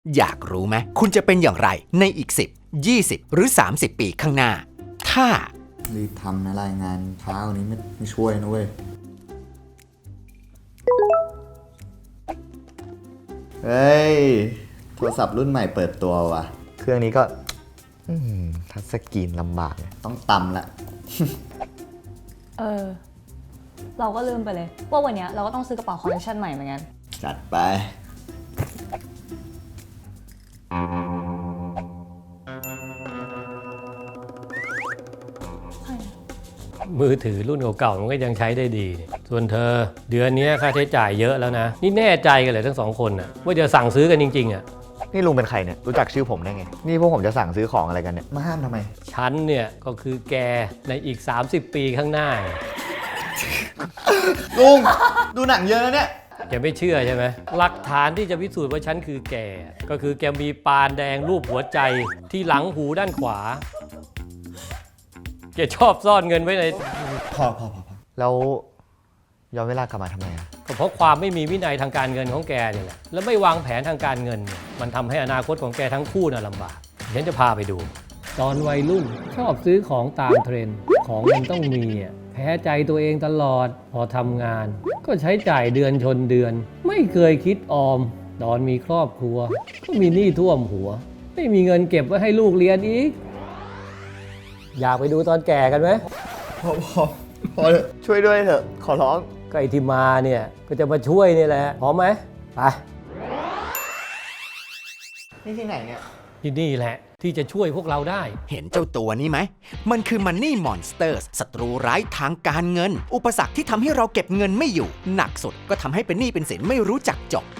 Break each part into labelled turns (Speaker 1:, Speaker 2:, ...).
Speaker 1: อยากรู้ไหมคุณจะเป็นอย่างไรในอีก10 20 หรือ 30 ปีข้างหน้า ถ้า
Speaker 2: รีบทำนะรายงานเช้านี้ไม่ช่วยนะเว้ยเฮ้ยโทรศัพท์รุ่นใหม่เปิดตัวว่ะเครื่องนี้ก็ทัชสกรีนลำบากเลยต้องตำละ
Speaker 3: เราก็ลืมไปเลยว่าวันนี้เราก็ต้องซื้อกระเป๋าคอลเลคชันใหม่เหมือนกัน
Speaker 2: จัดไป
Speaker 4: มือถือรุ่นเก่าๆมันก็ยังใช้ได้ดี ส่วนเธอเดือนนี้ค่าใช้จ่ายเยอะแล้วนะนี่แน่ใจกันเลยทั้งสองคนน่ะว่าจะสั่งซื้อกันจริงๆอ่ะ
Speaker 2: นี่ลุงเป็นใครเนี่ยรู้จักชื่อผมได้ไงนี่พวกผมจะสั่งซื้อของอะไรกันเนี่ยมาห้ามทำไม
Speaker 4: ฉันเนี่ยก็คือแกในอีก30 ปีข้างหน้า
Speaker 2: ลุงดูหนังเยอะนะเนี่ย
Speaker 4: แกไม่เชื่อใช่ไหมหลักฐานที่จะพิสูจน์ว่าฉันคือแกก็คือแกมีปานแดงรูปหัวใจที่หลังหูด้านขวาแกชอบซ่อนเงินไว้ใน
Speaker 2: พอแล้วย้อนเวลากลับมาทำไมอ่ะ
Speaker 4: ก็เพราะความไม่มีวินัยทางการเงินของแกนี่แหละแล้วไม่วางแผนทางการเงินเนี่ยมันทำให้อนาคตของแกทั้งคู่น่ะลำบากฉันจะพาไปดูตอนวัยรุ่นชอบซื้อของตามเทรนด์ของมันต้องมีแพ้ใจตัวเองตลอดพอทำงานก็ใช้จ่ายเดือนชนเดือนไม่เคยคิดออมตอนมีครอบครัวก็มีหนี้ท่วมหัวไม่มีเงินเก็บไว้ให้ลูกเรียนอีกอยากไปดูตอนแก่กันไหม
Speaker 2: พอช่วยด้วยเถอะขอร้อง
Speaker 4: ก็ไอ้ที่มาเนี่ยก็จะมาช่วยนี่แหละพร้อมไหมไป
Speaker 2: นี่ที่ไหนเนี่ย
Speaker 4: ที่นี่แหละที่จะช่วยพวกเราได้
Speaker 1: เห็นเจ้าตัวนี้ไหมมันคือ Money Monsters ศัตรูร้ายทางการเงินอุปสรรคที่ทำให้เราเก็บเงินไม่อยู่หนักสุดก็ทำให้เป็นหนี้เป็นสินไม่รู้จักจบ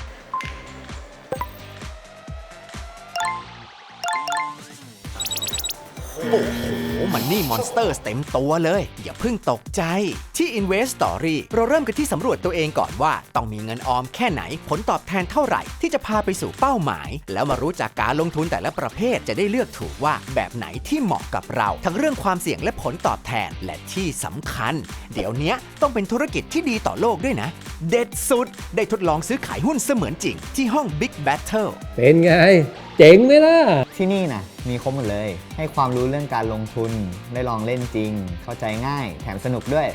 Speaker 1: โอ้โหMoney Monsters เต็มตัวเลยอย่าเพิ่งตกใจที่ Invest Story เราเริ่มกันที่สำรวจตัวเองก่อนว่าต้องมีเงินออมแค่ไหนผลตอบแทนเท่าไหร่ที่จะพาไปสู่เป้าหมายแล้วมารู้จักการลงทุนแต่ละประเภทจะได้เลือกถูกว่าแบบไหนที่เหมาะกับเราทั้งเรื่องความเสี่ยงและผลตอบแทนและที่สำคัญเดี๋ยวนี้ต้องเป็นธุรกิจที่ดีต่อโลกด้วยนะเด็ดสุดได้ทดลองซื้อขายหุ้นเสมือนจริงที่ห้อง Big Battle
Speaker 4: เป็นไงเจ๋งไหมล่ะ
Speaker 2: ที่นี่นะมีครบหมดเลยให้ความรู้เรื่องการลงทุนได้ลองเล่นจริงเข้าใจง่ายแถมสนุกด้วย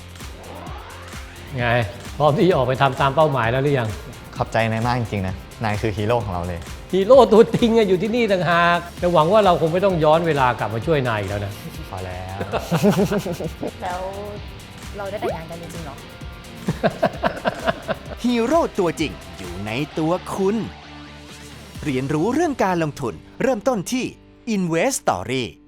Speaker 4: ไงพร้อมที่จะออกไปทำตามเป้าหมายแล้วหรือยัง
Speaker 2: ขอบใจนายมากจริงๆนะนายคือฮีโร่ของเราเลย
Speaker 4: ฮีโร่ตัวจริงอยู่ที่นี่ต่างหากแต่หวังว่าเราคงไม่ต้องย้อนเวลากลับมาช่วยนายอีกแล้วนะ
Speaker 2: พอแล้ว
Speaker 3: แล้วเราได้แต่งงานกันจริงๆหรอ
Speaker 1: ฮีโร่ตัวจริงอยู่ในตัวคุณเรียนรู้เรื่องการลงทุนเริ่มต้นที่ Invest Story